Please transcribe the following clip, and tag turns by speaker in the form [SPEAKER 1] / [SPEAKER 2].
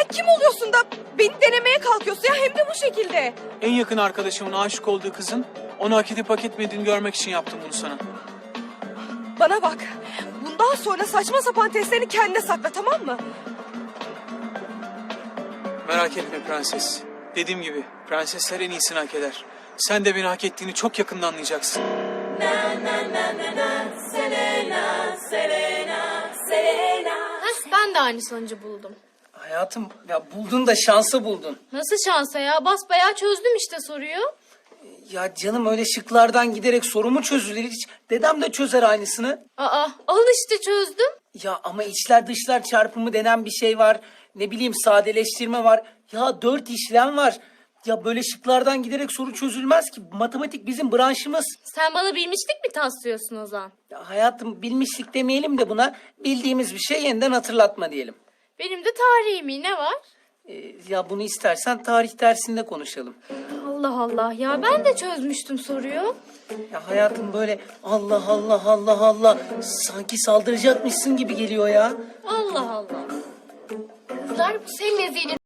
[SPEAKER 1] sen kim oluyorsun da beni denemeye kalkıyorsun ya, hem de bu şekilde.
[SPEAKER 2] En yakın arkadaşımın aşık olduğu kızın onu hak edip hak etmediğini görmek için yaptım bunu sana.
[SPEAKER 1] Bana bak, bundan sonra saçma sapan testlerini kendine sakla, tamam mı?
[SPEAKER 2] Merak etme prenses. Dediğim gibi prensesler en iyisini hak eder. Sen de beni hak ettiğini çok yakında anlayacaksın.
[SPEAKER 3] Ben de aynı sonucu buldum.
[SPEAKER 4] Hayatım ya buldun da şansı buldun.
[SPEAKER 3] Nasıl şansa ya? Basbayağı çözdüm işte soruyu.
[SPEAKER 4] Ya canım öyle şıklardan giderek soru mu çözülür hiç? Dedem de çözer aynısını.
[SPEAKER 3] Aa, al işte çözdüm.
[SPEAKER 4] Ya ama içler dışlar çarpımı denen bir şey var. Ne bileyim sadeleştirme var. Ya 4 işlem var. Ya böyle şıklardan giderek soru çözülmez ki. Matematik bizim branşımız.
[SPEAKER 3] Sen bana bilmişlik mi taslıyorsun o zaman?
[SPEAKER 4] Ya hayatım bilmişlik demeyelim de buna bildiğimiz bir şey yeniden hatırlatma diyelim.
[SPEAKER 3] Benim de tarihimi ne var?
[SPEAKER 4] Ya bunu istersen tarih dersinde konuşalım.
[SPEAKER 3] Allah Allah ya, ben de çözmüştüm soruyu.
[SPEAKER 4] Ya hayatım böyle Allah Allah Allah Allah sanki saldıracakmışsın gibi geliyor ya.
[SPEAKER 3] Allah Allah. Kızlar, bu senin eziyeni